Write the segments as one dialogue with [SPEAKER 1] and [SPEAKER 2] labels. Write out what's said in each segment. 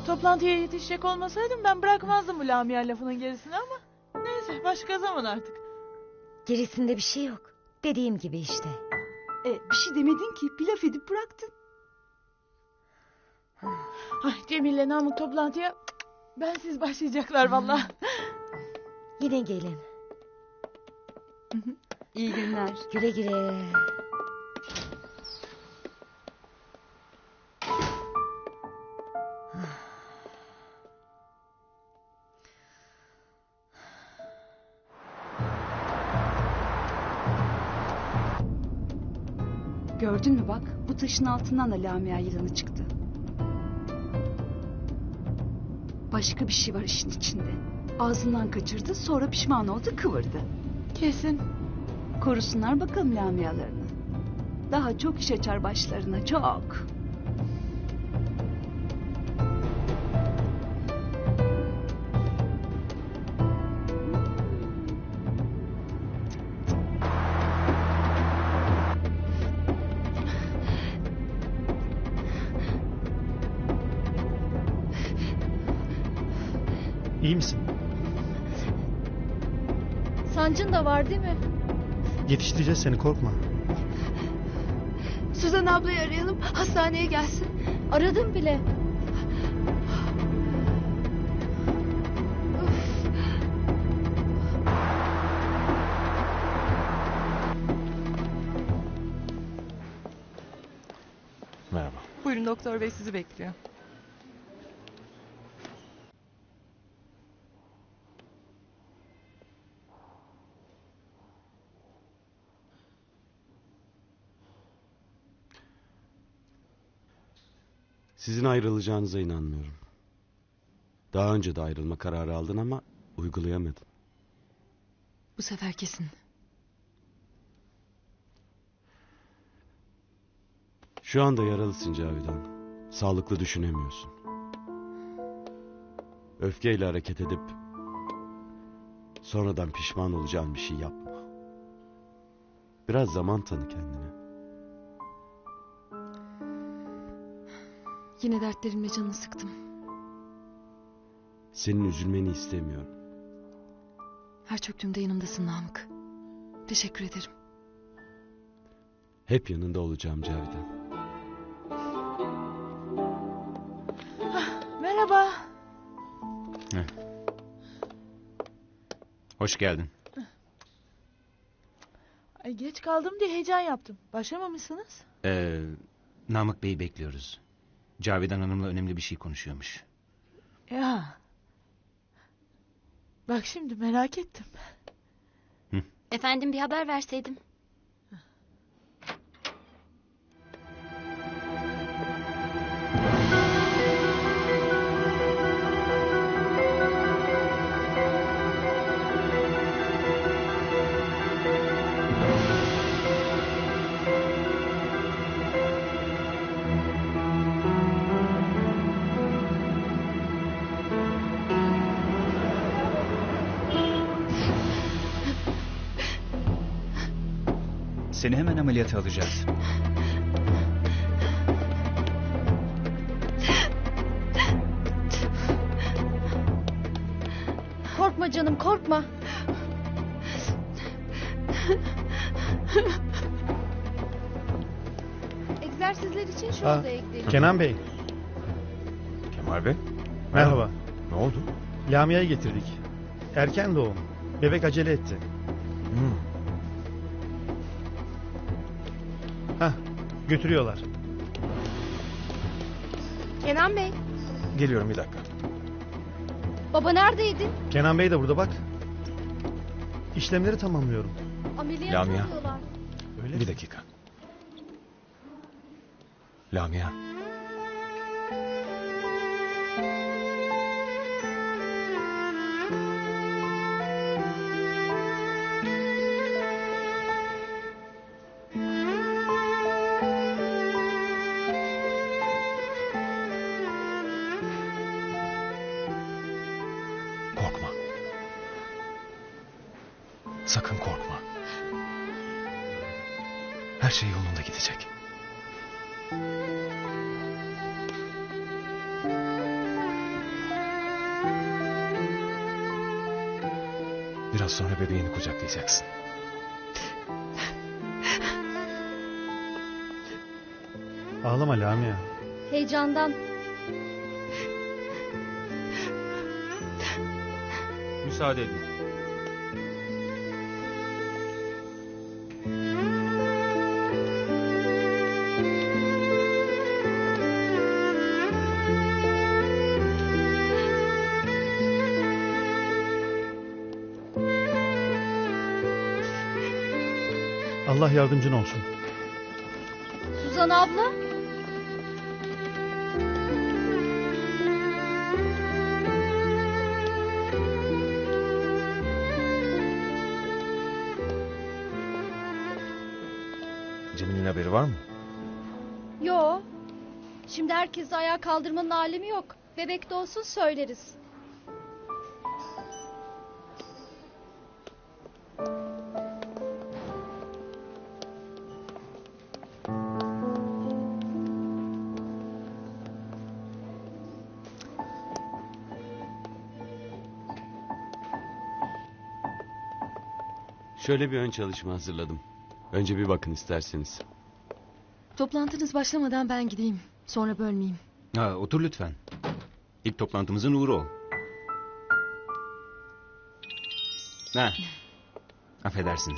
[SPEAKER 1] Toplantıya yetişecek olmasaydım ben bırakmazdım bu Lamia lafının gerisini ama... Neyse başka zaman artık.
[SPEAKER 2] Gerisinde bir şey yok. Dediğim gibi işte.
[SPEAKER 3] Bir şey demedin ki, bir laf edip bıraktın.
[SPEAKER 1] Ay Cemil'le Namık toplantıya bensiz başlayacaklar vallahi.
[SPEAKER 2] Yine gelin.
[SPEAKER 3] İyi günler.
[SPEAKER 2] Güle güle.
[SPEAKER 3] Gördün mü bak, bu taşın altından da Lamia yılanı çıktı. Başka bir şey var işin içinde. Ağzından kaçırdı, sonra pişman oldu, kıvırdı.
[SPEAKER 1] Kesin.
[SPEAKER 3] Korusunlar bakalım Lamia'larını. Daha çok iş açar başlarına, çok.
[SPEAKER 4] İyi misin?
[SPEAKER 5] Sancın da var değil mi?
[SPEAKER 4] Yetiştireceğiz seni, korkma.
[SPEAKER 5] Suzan ablayı arayalım, hastaneye gelsin. Aradım bile.
[SPEAKER 6] Merhaba.
[SPEAKER 7] Buyurun, doktor bey sizi bekliyor.
[SPEAKER 6] Sizin ayrılacağınıza inanmıyorum. Daha önce de ayrılma kararı aldın ama uygulayamadın.
[SPEAKER 7] Bu sefer kesin.
[SPEAKER 6] Şu anda yaralısın Cavidan. Sağlıklı düşünemiyorsun. Öfkeyle hareket edip sonradan pişman olacağın bir şey yapma. Biraz zaman tanı kendine.
[SPEAKER 7] Yine dertlerimle canını sıktım.
[SPEAKER 6] Senin üzülmeni istemiyorum.
[SPEAKER 7] Her çöktüğümde yanımdasın Namık. Teşekkür ederim.
[SPEAKER 6] Hep yanında olacağım Cavidan.
[SPEAKER 1] Merhaba.
[SPEAKER 8] Hoş geldin.
[SPEAKER 1] Ay, geç kaldım diye heyecan yaptım. Başlamamışsınız.
[SPEAKER 8] Namık Bey'i bekliyoruz. Cavidan Hanım'la önemli bir şey konuşuyormuş.
[SPEAKER 1] Ya. Bak şimdi merak ettim.
[SPEAKER 5] Efendim bir haber verseydim.
[SPEAKER 9] Seni hemen ameliyata alacağız.
[SPEAKER 5] Korkma canım, korkma. Egzersizler için şu odaya gidelim.
[SPEAKER 4] Kenan Bey,
[SPEAKER 8] Kemal Bey?
[SPEAKER 4] merhaba.
[SPEAKER 8] Ne oldu?
[SPEAKER 4] Lamia'yı getirdik. Erken doğum. Bebek acele etti. Hah, götürüyorlar.
[SPEAKER 5] Kenan Bey,
[SPEAKER 8] Geliyorum bir dakika.
[SPEAKER 5] baba neredeydin?
[SPEAKER 4] Kenan Bey de burada bak. İşlemleri tamamlıyorum.
[SPEAKER 5] Ameliyat
[SPEAKER 8] Lamia.
[SPEAKER 5] oluyorlar.
[SPEAKER 4] Öyle.
[SPEAKER 8] Bir dakika. Lamia. Korkma. Sakın korkma. Her şey yolunda gidecek.
[SPEAKER 10] Biraz sonra bebeğini kucaklayacaksın.
[SPEAKER 4] Ağlama Lamia.
[SPEAKER 5] Heyecandan.
[SPEAKER 8] Müsaade edin.
[SPEAKER 4] Allah yardımcın olsun.
[SPEAKER 5] Suzan abla.
[SPEAKER 10] Cemil'in haberi var mı?
[SPEAKER 5] Yo. Şimdi herkesi ayağa kaldırmanın alemi yok. Bebek de olsun söyleriz.
[SPEAKER 6] Şöyle bir ön çalışma hazırladım. Önce bir bakın isterseniz.
[SPEAKER 7] Toplantınız başlamadan ben gideyim. Sonra bölmeyeyim.
[SPEAKER 8] Ha, otur lütfen. İlk toplantımızın uğuru ol. Ha. Affedersiniz.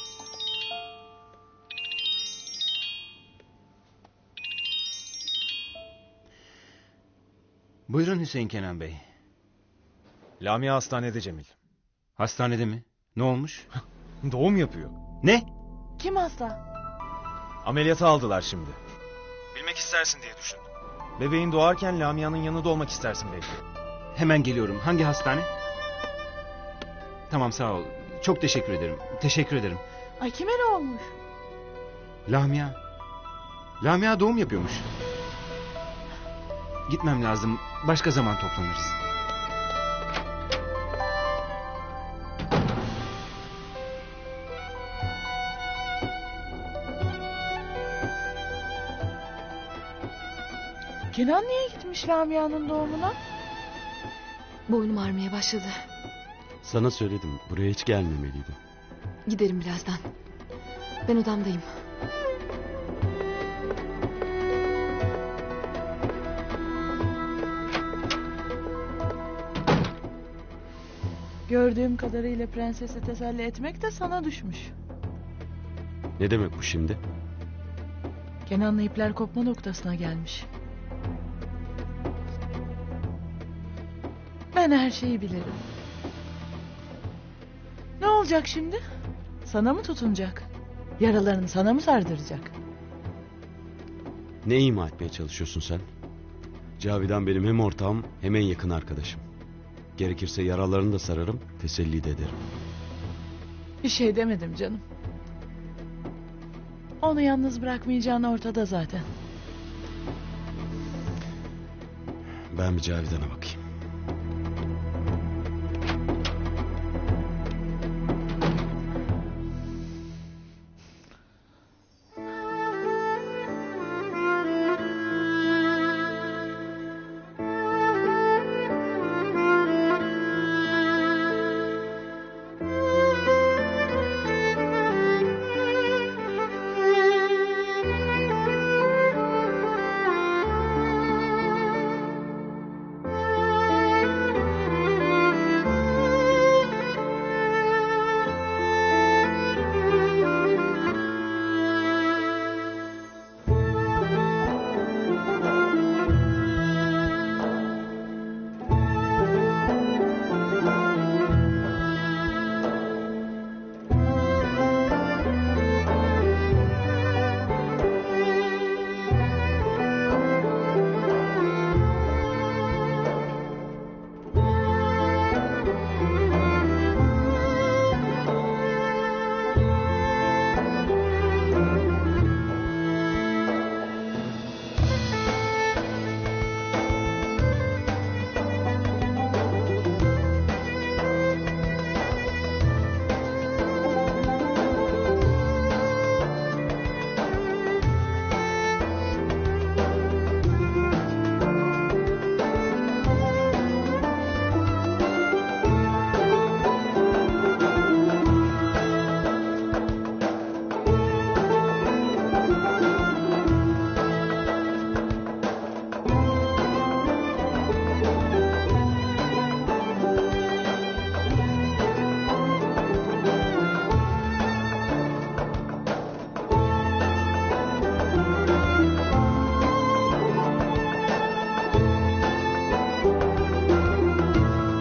[SPEAKER 8] Buyurun Hüseyin Kenan Bey.
[SPEAKER 10] Lamia hastanede Cemil.
[SPEAKER 8] Hastanede mi? Ne olmuş?
[SPEAKER 10] Doğum yapıyor.
[SPEAKER 8] Ne?
[SPEAKER 1] Kim hasta?
[SPEAKER 10] Ameliyata aldılar şimdi. Bilmek istersin diye düşündüm. Bebeğin doğarken Lamia'nın yanında olmak istersin belki.
[SPEAKER 8] Hemen geliyorum. Hangi hastane? Tamam sağ ol. Çok teşekkür ederim. Teşekkür ederim.
[SPEAKER 1] Ay kime ne olmuş?
[SPEAKER 8] Lamia. Lamia doğum yapıyormuş. Gitmem lazım. Başka zaman toplanırız.
[SPEAKER 1] Kenan niye gitmiş Lamia'nın doğumuna?
[SPEAKER 7] Boynum ağrımaya başladı.
[SPEAKER 6] Sana söyledim, buraya hiç gelmemeliydim.
[SPEAKER 7] Giderim birazdan. Ben odamdayım.
[SPEAKER 1] Gördüğüm kadarıyla prensesi teselli etmek de sana düşmüş.
[SPEAKER 6] Ne demek bu şimdi?
[SPEAKER 1] Kenan'la ipler kopma noktasına gelmiş. Ben her şeyi bilirim. Ne olacak şimdi? Sana mı tutunacak? Yaralarını sana mı sardıracak?
[SPEAKER 6] Ne ima etmeye çalışıyorsun sen? Cavidan benim hem ortağım hem en yakın arkadaşım. Gerekirse yaralarını da sararım, teselli de ederim.
[SPEAKER 1] Bir şey demedim canım. Onu yalnız bırakmayacağın ortada zaten.
[SPEAKER 6] Ben bir Cavidan'a bakayım.